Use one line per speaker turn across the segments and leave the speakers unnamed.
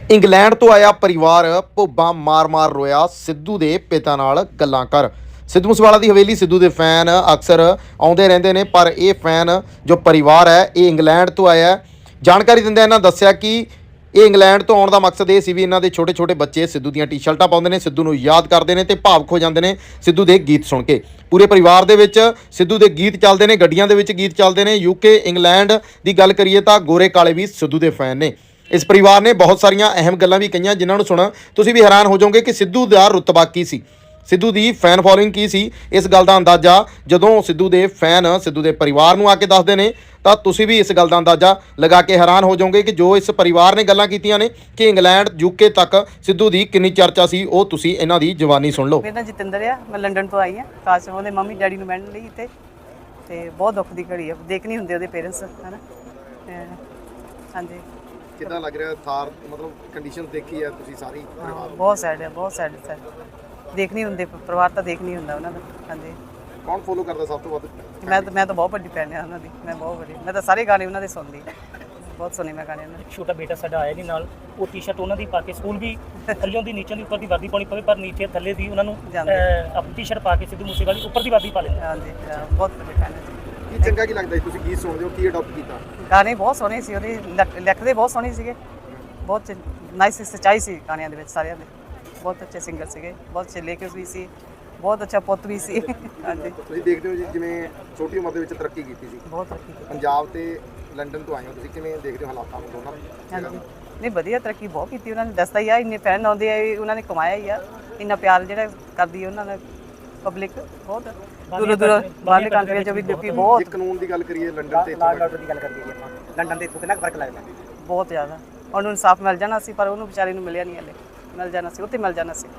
England ਤੋਂ ਆਇਆ ਪਰਿਵਾਰ ਭੁੱਬਾਂ ਮਾਰ-ਮਾਰ ਰੋਇਆ ਸਿੱਧੂ ਦੇ ਪਿਤਾ ਨਾਲ ਗੱਲਾਂ ਕਰ। ਸਿੱਧੂ ਮੂਸੇਵਾਲਾ ਦੀ ਹਵੇਲੀ ਸਿੱਧੂ ਦੇ ਫੈਨ ਅਕਸਰ ਆਉਂਦੇ ਰਹਿੰਦੇ ਨੇ, ਪਰ ਇਹ ਫੈਨ ਜੋ ਪਰਿਵਾਰ ਹੈ ਇਹ ਇੰਗਲੈਂਡ ਤੋਂ ਆਇਆ ਹੈ। ਜਾਣਕਾਰੀ ਦਿੰਦਿਆਂ ਇਹਨਾਂ ਦੱਸਿਆ ਕਿ ਇਹ ਇੰਗਲੈਂਡ ਤੋਂ ਆਉਣ ਦਾ ਮਕਸਦ ਇਹ ਸੀ ਵੀ ਇਹਨਾਂ ਦੇ ਛੋਟੇ-ਛੋਟੇ ਬੱਚੇ ਸਿੱਧੂ ਦੀਆਂ ਟੀ-ਸ਼ਰਟਾਂ ਪਾਉਂਦੇ ਨੇ, ਸਿੱਧੂ ਨੂੰ ਯਾਦ ਕਰਦੇ ਨੇ ਤੇ ਭਾਵੁਕ ਹੋ ਜਾਂਦੇ ਨੇ ਸਿੱਧੂ ਦੇ ਗੀਤ ਸੁਣ ਕੇ। ਪੂਰੇ ਪਰਿਵਾਰ ਦੇ ਵਿੱਚ ਸਿੱਧੂ ਦੇ ਗੀਤ ਚੱਲਦੇ ਨੇ, ਗੱਡੀਆਂ ਦੇ ਵਿੱਚ ਗੀਤ ਚੱਲਦੇ ਨੇ। ਯੂਕੇ ਇੰਗਲੈਂਡ ਦੀ ਗੱਲ ਕਰੀਏ ਤਾਂ ਗੋਰੇ ਕਾਲੇ ਵੀ ਸਿੱਧੂ ਦੇ ਫੈਨ ਨੇ। ਇਸ ਪਰਿਵਾਰ ਨੇ ਬਹੁਤ ਸਾਰੀਆਂ ਅਹਿਮ ਗੱਲਾਂ ਵੀ ਕਹੀਆਂ ਜਿਨ੍ਹਾਂ ਨੂੰ ਸੁਣ ਤੁਸੀਂ ਵੀ ਹੈਰਾਨ ਹੋ ਜਾਓਗੇ ਕਿ ਸਿੱਧੂ ਦਾ ਰੁਤਬਾ ਕੀ ਸੀ, ਸਿੱਧੂ ਦੀ ਫੈਨ ਫੋਲੋਇੰਗ ਕੀ ਸੀ। ਇਸ ਗੱਲ ਦਾ ਅੰਦਾਜ਼ਾ ਜਦੋਂ ਸਿੱਧੂ ਦੇ ਫੈਨ ਸਿੱਧੂ ਦੇ ਪਰਿਵਾਰ ਨੂੰ ਆ ਕੇ ਦੱਸਦੇ ਨੇ ਤਾਂ ਤੁਸੀਂ ਵੀ ਇਸ ਗੱਲ ਦਾ ਅੰਦਾਜ਼ਾ ਲਗਾ ਕੇ ਹੈਰਾਨ ਹੋ ਜਾਓਗੇ ਕਿ ਜੋ ਇਸ ਪਰਿਵਾਰ ਨੇ ਗੱਲਾਂ ਕੀਤੀਆਂ ਨੇ ਕਿ ਇੰਗਲੈਂਡ ਯੂਕੇ ਤੱਕ ਸਿੱਧੂ ਦੀ ਕਿੰਨੀ ਚਰਚਾ ਸੀ, ਉਹ ਤੁਸੀਂ ਇਹਨਾਂ ਦੀ ਜ਼ੁਬਾਨੀ ਸੁਣ ਲਓ।
ਮੇਰਾ ਨਾਮ ਜਤਿੰਦਰ ਆ, ਮੈਂ ਲੰਡਨ ਤੋਂ ਆਈ ਹਾਂ ਖਾਸ ਉਹਦੇ ਮੰਮੀ ਡੈਡੀ ਨੂੰ ਮਿਲਣ ਲਈ ਤੇ ਬਹੁਤ ਦੁੱਖ ਦੀ ਘੜੀ ਆ, ਦੇਖ ਨਹੀਂ ਹੁੰਦੇ ਉਹਦੇ ਪੇਰੈਂਟਸ ਹੈ ਨਾ। ਹਾਂਜੀ,
ਕਿੱਦਾਂ ਲੱਗ ਰਿਹਾ ਥਾਰ, ਮਤਲਬ ਕੰਡੀਸ਼ਨ ਦੇਖੀ ਹੈ ਤੁਸੀਂ ਸਾਰੀ?
ਬਹੁਤ ਸੈਡ ਹੈ, ਬਹੁਤ ਸੈਡ ਸਰ। ਦੇਖ ਨਹੀਂ ਹੁੰਦੇ ਪਰਿਵਾਰ ਤਾਂ ਦੇਖ ਨਹੀਂ ਹੁੰਦਾ ਉਹਨਾਂ ਦਾ। ਹਾਂਜੀ,
ਕੌਣ ਫੋਲੋ ਕਰਦਾ ਸਭ ਤੋਂ ਵੱਧ?
ਮੈਂ ਤਾਂ ਬਹੁਤ ਵੱਡੀ ਫੈਨ ਹਾਂ ਉਹਨਾਂ ਦੀ। ਮੈਂ ਤਾਂ ਸਾਰੇ ਗਾਣੇ ਉਹਨਾਂ ਦੇ ਸੁਣਦੀ, ਬਹੁਤ ਸੁਣੇ ਮੈਂ ਗਾਣੇ ਉਹਨਾਂ ਦੇ।
ਛੋਟਾ ਬੇਟਾ ਸਾਡਾ ਆਇਆ ਨਹੀਂ ਨਾਲ, ਉਹ ਟੀ-ਸ਼ਰਟ ਉਹਨਾਂ ਦੀ ਪਾ ਕੇ ਸਕੂਲ ਵੀ ਥੱਲਿਓਂ ਦੀ ਨੀਚੋਂ ਦੀ ਉੱਪਰ ਦੀ ਵਰਦੀ ਪਾਉਣੀ ਪਵੇ, ਪਰ ਨੀਚੇ ਥੱਲੇ ਦੀ ਉਹਨਾਂ ਨੂੰ ਆਪਣੀ ਟੀ-ਸ਼ਰਟ ਪਾ ਕੇ ਸਿੱਧੂ ਮੂਸੇਵਾਲੀ ਉੱਪਰ ਦੀ ਵਰਦੀ ਪਾ ਲੈਂਦੇ।
ਹਾਂਜੀ, ਬਹੁਤ ਵੱਡੇ ਫੈਨ ਹੈ।
ਕੀ ਚੰਗਾ ਕੀ ਲੱਗਦਾ ਤੁਸੀਂ ਗੀਤ ਸੁਣਦੇ ਹੋ, ਕੀ ਅਡਾਪਟ ਕੀਤਾ?
ਗਾਣੇ ਬਹੁਤ ਸੋਹਣੇ ਸੀ ਉਹਦੇ, ਲਿਖਦੇ ਬਹੁਤ ਸੋਹਣੇ ਸੀਗੇ, ਬਹੁਤ ਨਾਈਸ ਸੱਚਾਈ ਸੀ ਗਾਣਿਆਂ ਦੇ ਵਿੱਚ ਸਾਰਿਆਂ ਦੇ। ਬਹੁਤ ਅੱਛੇ ਸਿੰਗਰ ਸੀਗੇ, ਬਹੁਤ ਅੱਛੇ ਲੇਖਕ ਵੀ ਸੀ, ਬਹੁਤ ਅੱਛਾ ਪੁੱਤ ਵੀ ਸੀ। ਹਾਂਜੀ,
ਤੁਸੀਂ ਦੇਖਦੇ ਹੋ ਜੀ ਜਿਵੇਂ ਛੋਟੀ ਉਮਰ ਦੇ ਵਿੱਚ ਤਰੱਕੀ ਕੀਤੀ ਸੀ,
ਬਹੁਤ ਤਰੱਕੀ ਕੀਤੀ।
ਪੰਜਾਬ ਤੇ ਲੰਡਨ ਤੋਂ ਆਏ ਹੋ, ਤੁਸੀਂ ਕਿਵੇਂ ਦੇਖਦੇ ਹੋ ਹਾਲਾਤਾਂ ਨੂੰ ਦੋਨਾਂ?
ਹਾਂਜੀ, ਨਹੀਂ ਵਧੀਆ ਤਰੱਕੀ ਬਹੁਤ ਕੀਤੀ ਉਹਨਾਂ ਨੇ। ਦੱਸਦਾ ਹੀ ਆ, ਇੰਨੇ ਫੈਨ ਆਉਂਦੇ ਆ, ਉਹਨਾਂ ਨੇ ਕਮਾਇਆ ਹੀ ਆ ਇੰਨਾ ਪਿਆਰ ਜਿਹੜਾ ਕਰਦੀ ਉਹਨਾਂ ਦਾ ਪਬਲਿਕ। ਬਹੁਤ ਦੂਰੋਂ ਬਾਹਰਲੇ ਕੰਟਰੀਆਂ 'ਚ ਵੀ ਲੋਕੀ ਬਹੁਤ।
ਜੇ ਕਾਨੂੰਨ ਦੀ ਗੱਲ ਕਰੀਏ ਲੰਡਨ ਤੇ
ਲਾਅ ਆਰਡਰ ਦੀ ਗੱਲ ਕਰੀਏ ਜੀ ਆਪਾਂ, ਲੰਡਨ ਦੇ ਇੱਥੋਂ ਕਿੰਨਾ ਫਰਕ ਲੱਗਦਾ?
ਬਹੁਤ ਜ਼ਿਆਦਾ। ਉਹਨੂੰ ਇਨਸਾਫ ਮਿਲ ਜਾਣਾ ਸੀ, ਪਰ ਉਹਨੂੰ ਵਿਚਾਰੇ ਨੂੰ ਮਿਲਿਆ ਨਹੀਂ ਹਲੇ। ਮਿਲ ਜਾਣਾ ਸੀ, ਉੱਥੇ ਮਿਲ ਜਾਣਾ ਸੀ।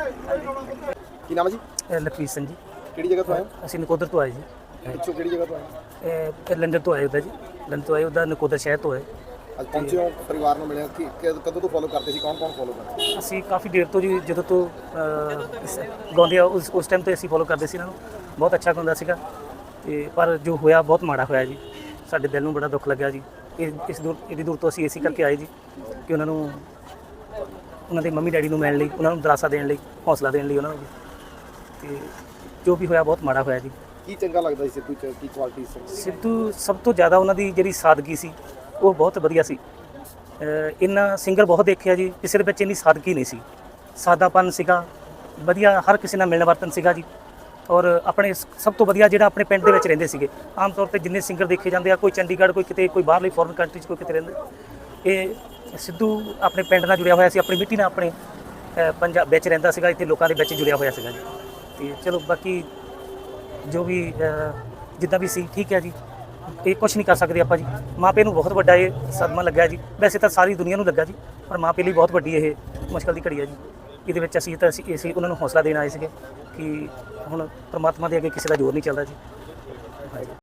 ਕੀ ਨਾਮ ਹੈ ਜੀ?
ਲਖਵੀਰ ਸਿੰਘ ਜੀ।
ਕਿਹੜੀ ਜਗ੍ਹਾ ਤੋਂ ਆਏ ਹੋ?
ਅਸੀਂ ਨਕੋਦਰ ਤੋਂ ਆਏ ਜੀ।
ਪਿੱਛੋਂ ਕਿਹੜੀ ਜਗ੍ਹਾ ਤੋਂ ਆਏ?
ਇਹ ਲੰਡਨ ਤੋਂ ਆਏ ਉਹਦਾ ਜੀ, ਲੰਡਨ ਤੋਂ ਆਏ ਉਹਦਾ ਨਕੋਦਰ ਸ਼ਹਿਰ ਤੋਂ ਆਏ।
ਅੱਜ ਪਹੁੰਚੇ ਹੋ, ਪਰਿਵਾਰ ਨੂੰ ਮਿਲਿਆ, ਕਦੋਂ ਤੋਂ ਫੋਲੋ ਕਰਦੇ ਸੀ, ਕੌਣ ਫੋਲੋ ਕਰਦੇ?
ਅਸੀਂ ਕਾਫੀ ਦੇਰ ਤੋਂ ਜੀ, ਜਦੋਂ ਤੋਂ ਗਾਉਂਦੇ ਆ ਉਸ ਟਾਈਮ ਤੋਂ ਅਸੀਂ ਫੋਲੋ ਕਰਦੇ ਸੀ ਇਹਨਾਂ ਨੂੰ। ਬਹੁਤ ਅੱਛਾ ਗਾਉਂਦਾ ਸੀਗਾ ਤੇ ਪਰ ਜੋ ਹੋਇਆ ਬਹੁਤ ਮਾੜਾ ਹੋਇਆ ਜੀ। ਸਾਡੇ ਦਿਲ ਨੂੰ ਬੜਾ ਦੁੱਖ ਲੱਗਿਆ ਜੀ। ਇਹਦੀ ਦੂਰ ਤੋਂ ਅਸੀਂ ਇਸੇ ਕਰਕੇ ਆਏ ਜੀ ਕਿ ਉਹਨਾਂ ਨੂੰ, ਉਹਨਾਂ ਦੇ ਮੰਮੀ ਡੈਡੀ ਨੂੰ ਮਿਲਣ ਲਈ, ਉਹਨਾਂ ਨੂੰ ਦਿਲਾਸਾ ਦੇਣ ਲਈ, ਹੌਸਲਾ ਦੇਣ ਲਈ ਉਹਨਾਂ ਨੂੰ। ਤੇ ਜੋ ਵੀ ਹੋਇਆ ਬਹੁਤ ਮਾੜਾ ਹੋਇਆ ਜੀ।
ਕੀ ਚੰਗਾ ਲੱਗਦਾ ਸੀ ਸਿੱਧੂ 'ਚ, ਕੀ ਕੁਆਲਿਟੀ ਸੀ?
ਸਿੱਧੂ ਸਭ ਤੋਂ ਜ਼ਿਆਦਾ ਉਹਨਾਂ ਦੀ ਜਿਹੜੀ ਸਾਦਗੀ ਸੀ ਉਹ ਬਹੁਤ ਵਧੀਆ ਸੀ। ਇੰਨਾ ਸਿੰਗਰ ਬਹੁਤ ਦੇਖਿਆ ਜੀ, ਕਿਸੇ ਦੇ ਵਿੱਚ ਇੰਨੀ ਸਾਦਗੀ ਨਹੀਂ ਸੀ। ਸਾਦਾਪਨ ਸੀਗਾ, ਵਧੀਆ, ਹਰ ਕਿਸੇ ਨਾਲ ਮਿਲਣ ਵਰਤਨ ਸੀਗਾ ਜੀ। ਔਰ ਆਪਣੇ ਸਭ ਤੋਂ ਵਧੀਆ ਜਿਹੜਾ ਆਪਣੇ ਪਿੰਡ ਦੇ ਵਿੱਚ ਰਹਿੰਦੇ ਸੀਗੇ। ਆਮ ਤੌਰ 'ਤੇ ਜਿੰਨੇ ਸਿੰਗਰ ਦੇਖੇ ਜਾਂਦੇ ਆ, ਕੋਈ ਚੰਡੀਗੜ੍ਹ, ਕੋਈ ਕਿਤੇ, ਕੋਈ ਬਾਹਰਲੀ ਫੋਰਨ ਕੰਟਰੀ 'ਚ, ਕੋਈ ਕਿਤੇ ਰਹਿੰਦੇ। ਇਹ ਸਿੱਧੂ ਆਪਣੇ ਪਿੰਡ ਨਾਲ ਜੁੜਿਆ ਹੋਇਆ ਸੀ, ਆਪਣੀ ਮਿੱਟੀ ਨਾਲ, ਆਪਣੇ ਪੰਜਾਬ ਵਿੱਚ ਰਹਿੰਦਾ ਸੀਗਾ, ਇੱਥੇ ਲੋਕਾਂ ਦੇ ਵਿੱਚ ਜੁੜਿਆ ਹੋਇਆ ਸੀਗਾ ਜੀ। ਤੇ ਚਲੋ ਬਾਕੀ ਜੋ ਵੀ ਜਿੱਦਾਂ ਵੀ ਸੀ ਠੀਕ ਹੈ ਜੀ। ਇਹ ਕੁਛ ਨਹੀਂ ਕਰ ਸਕਦੇ ਆਪਾਂ ਜੀ। ਮਾਂ ਪਿਓ ਨੂੰ ਬਹੁਤ ਵੱਡਾ ਇਹ ਸਦਮਾ ਲੱਗਾ ਜੀ। ਵੈਸੇ ਤਾਂ ਸਾਰੀ ਦੁਨੀਆ ਨੂੰ ਲੱਗਾ ਜੀ, ਪਰ ਮਾਂ ਪਿਓ ਲਈ ਬਹੁਤ ਵੱਡੀ ਇਹ ਮੁਸ਼ਕਲ ਦੀ ਘੜੀ ਹੈ ਜੀ। ਇਹਦੇ ਵਿੱਚ ਅਸੀਂ ਉਹਨਾਂ ਨੂੰ ਹੌਸਲਾ ਦੇਣ ਆਏ ਸੀਗੇ ਕਿ ਹੁਣ ਪਰਮਾਤਮਾ ਦੇ ਅੱਗੇ ਕਿਸੇ ਦਾ ਜ਼ੋਰ ਨਹੀਂ ਚੱਲਦਾ ਜੀ।